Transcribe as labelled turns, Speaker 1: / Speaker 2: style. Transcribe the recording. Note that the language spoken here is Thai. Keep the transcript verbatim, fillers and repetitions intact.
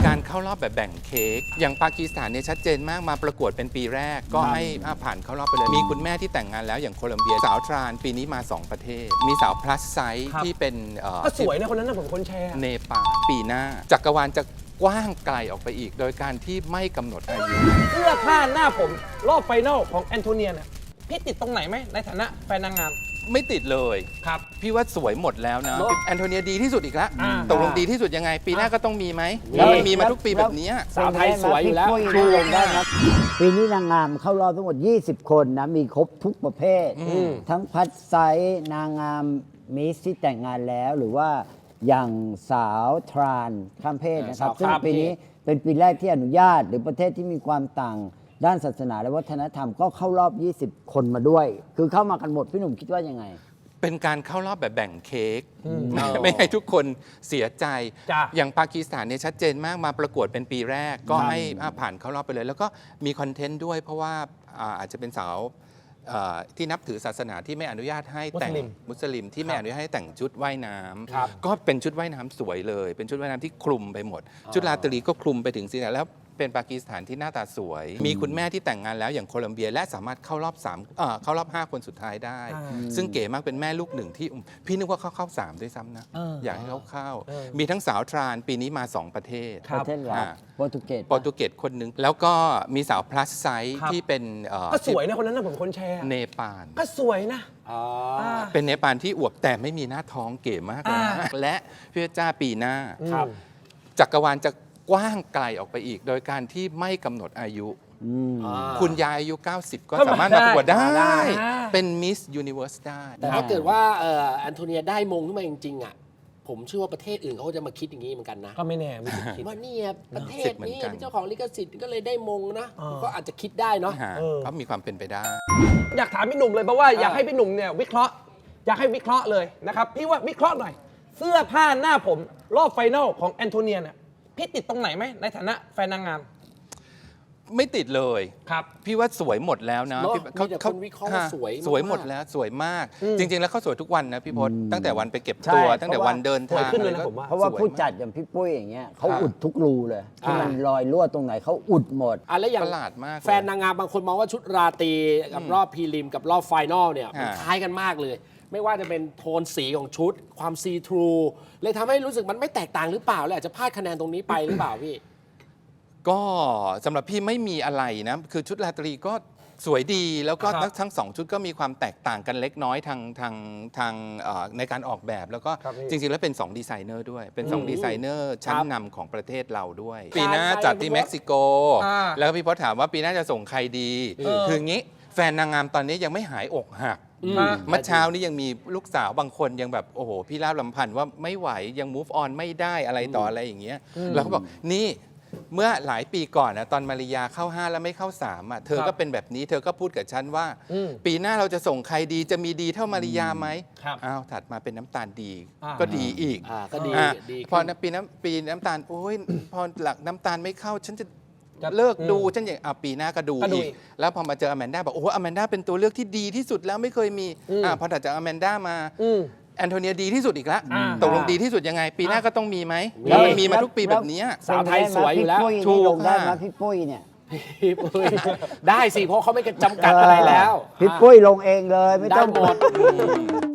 Speaker 1: การเข้ารอบแบบแบ่งเค้กอย่างปากีสถานเนี่ยชัดเจนมากมาประกวดเป็นปีแรกก็ให้ผ่านเข้ารอบไปเลยมีคุณแม่ที่แต่งงานแล้วอย่างโคลัมเบียสาวทรานปีนี้มาสองประเทศมีสาวพลัสไซส์ที่เป็น
Speaker 2: ก็สวยนะคนนั้นนะผมคนแชร์
Speaker 1: เนปาลปีหน้าจักรวาลจะกว้างไกลออกไปอีกโดยการที่ไม่กำหนดอายุ
Speaker 2: เสื้อผ้าหน้าผมรอบไฟนอลของแอนโทเนียเนี่ยพี่ติดตรงไหนไหมในฐานะแฟนนางงาม
Speaker 1: ไม่ติดเลย
Speaker 2: ครับ
Speaker 1: พี่ว่าสวยหมดแล้วนะแอนโทเนียดีที่สุดอีกแล้วตกลงดีที่สุดยังไงปีหน้าก็ต้องมีไหมแล้วมันมีมาทุกปีแบบนี้
Speaker 3: สาวไทยสวยอยู่แล้วชูลงได้นะปีนี้นางงามเข้ารอบทั้งหมดยี่สิบคนนะมีครบทุกประเภททั้งพัดไซส์นางงามมิสที่แต่งงานแล้วหรือว่าอย่างสาวทรานข้ามเพศนะครับซึ่งปีนี้เป็นปีแรกที่อนุญาตหรือประเทศที่มีความต่างด้านศาสนาและวัฒนธรรมก็เข้ารอบยี่สิบคนมาด้วยคือเข้ามากันหมดพี่หนุ่มคิดว่ายังไง
Speaker 1: เป็นการเข้ารอบแบบแบ่งเค้กไม่ให้ทุกคนเสียใจอย่างปากีสถานเนี่ยชัดเจนมากมาประกวดเป็นปีแรกก็ให้ผ่านเข้ารอบไปเลยแล้วก็มีคอนเทนต์ด้วยเพราะว่าอาจจะเป็นสาวที่นับถือศาสนาที่ไม่อนุญาตให้แต่งมุสลิมที่ไม่อนุญาตให้แต่งชุดว่ายน้ำก็เป็นชุดว่ายน้ำสวยเลยเป็นชุดว่ายน้ำที่คลุมไปหมดชุดราตรีก็คลุมไปถึงศีรษะแล้วเป็นปากีสถานที่หน้าตาสวยมีคุณแม่ที่แต่งงานแล้วอย่างโคลัมเบียและสามารถเข้ารอบสามเอ่อเข้ารอบห้าคนสุดท้ายได้ซึ่งเก๋มากเป็นแม่ลูกหนึ่งที่พี่นึกว่าเขาเข้าสามด้วยซ้ำนะอยากให้เขาเข้ามีทั้งสาวทรานปีนี้มาสองประเทศ
Speaker 3: ประเทศลาวโปรตุเกส
Speaker 1: โปรตุเกสคนหนึ่งแล้วก็มีสาวพลัสไซส์ที่เป็น
Speaker 2: ก็สวยนะคนนั้นนะผมคนแชร์
Speaker 1: เนปาล
Speaker 2: ก็สวยนะ
Speaker 1: เป็นเนปาลที่อวบแต่ไม่มีหน้าท้องเก๋มากเลยนะและพี่จ้าปีหน้าจักรวาลจะกว้างไกลออกไปอีกโดยการที่ไม่กำหนดอายุคุณยายอายุ เก้าสิบ ก็สามารถมาประกวดได้เป็นมิสยูนิเวิร์สได้
Speaker 4: แต่ถ้าเกิดว่าแอนโทเนียได้มงขึ้นมาจริงๆอ่ะผมเชื่อว่าประเทศอื่นเขาจะมาคิดอย่างนี้เหมือนกันนะ
Speaker 2: ก็ไม่แน่ไม่คิด
Speaker 4: ว่านี่ประเทศนี้เป็นเจ้าของลิขสิทธิ์ก็เลยได้มงนะก็อาจจะคิดได้เนาะ
Speaker 1: ก็มีความเป็นไปได้
Speaker 2: อยากถามพี่หนุ่มเลยเพราะว่าอยากให้พี่หนุ่มเนี่ยวิเคราะห์อยากให้วิเคราะห์เลยนะครับพี่ว่าวิเคราะห์หน่อยเสื้อผ้าหน้าผมรอบไฟนอลของแอนโทเนียเนี่ยพี่ติดตรงไหนไหมในฐานะแฟนนางงาม
Speaker 1: ไม่ติดเลย
Speaker 2: ครับ
Speaker 1: พี่ว่าสวยหมดแล้วนะ
Speaker 4: เขาเขาวิเคราะห์สวย
Speaker 1: สวยหมดแล้วสวยมากจริงๆแล้วเขาสวยทุกวันนะพี่พศตั้งแต่วันไปเก็บตัวตั้งแต่วันเดินทาง
Speaker 3: เพราะว่าผู้จัดอย่างพี่ปุ้ยอย่างเงี้ยเขาอุดทุกรูเลยที่มันรอยรั่วตรงไหนเขาอุดหมด
Speaker 4: อะไรอย่าง
Speaker 1: ประหลาดมาก
Speaker 4: แฟนนางงามบางคนมองว่าชุดราตรีกับรอบพรีลิมกับรอบไฟนอลเนี่ยมันคล้ายกันมากเลยไม่ว่าจะเป็นโทนสีของชุดความซีทรูเลยทำให้รู้สึกมันไม่แตกต่างหรือเปล่าเลยอาจจะพลาดคะแนนตรงนี้ไปหรือเปล่าพี่
Speaker 1: ก็สำหรับพี่ไม่มีอะไรนะคือชุดราตรีก็สวยดีแล้วก็ทั้งสองชุดก็มีความแตกต่างกันเล็กน้อยทางทางทางในการออกแบบแล้วก็จริงๆแล้วเป็นสองดีไซเนอร์ด้วยเป็นสองดีไซเนอร์ชั้นนำของประเทศเราด้วยปีหน้าจัดที่เม็กซิโกแล้วพี่พศถามว่าปีหน้าจะส่งใครดีคืองี้แฟนนางงามตอนนี้ยังไม่หายอกหักเมื่อเช้านี้ยังมีลูกสาวบางคนยังแบบโอ้โหพี่ลาบลำพันธ์ว่าไม่ไหวยัง move on ไม่ได้อะไรต่ออะไรอย่างเงี้ยแล้วเขาบอกนี่เมื่อหลายปีก่อนนะตอนมาริยาเข้าห้าแล้วไม่เข้าสามอ่ะเธอก็เป็นแบบนี้เธอก็พูดกับฉันว่าปีหน้าเราจะส่งใครดีจะมีดีเท่ามาริยาไหมอ้าวถัดมาเป็นน้ำตาลดีก็ดีอีก
Speaker 4: ก็ดี
Speaker 1: พอปีน้ำปีน้ำตาลโอ้ยพอหลักน้ำตาลไม่เข้าฉันจะเลิกดูฉันอย่างอ่ะปีหน้าก็ดูอีกแล้วพอมาเจออแมนด้าบอกโอ้โหอแมนด้าเป็นตัวเลือกที่ดีที่สุดแล้วไม่เคยมีอ่ะพอถัดจากอแมนด้ามาแอนโทเนียดีที่สุดอีกแล้วตกลงดีที่สุดยังไงปีหน้าก็ต้องมีไหมแล้วมันมีมาทุกปีแบบนี้
Speaker 3: สาวไทยสวยอยู่แล้วถูกได้ไหมพี่ปุ้ยเนี่ย
Speaker 4: พี่ปุ้ยได้สิเพราะเขาไม่จำกัดอะไรแล้ว
Speaker 3: พี่ปุ้ยลงเองเลยไม่ต้องหมด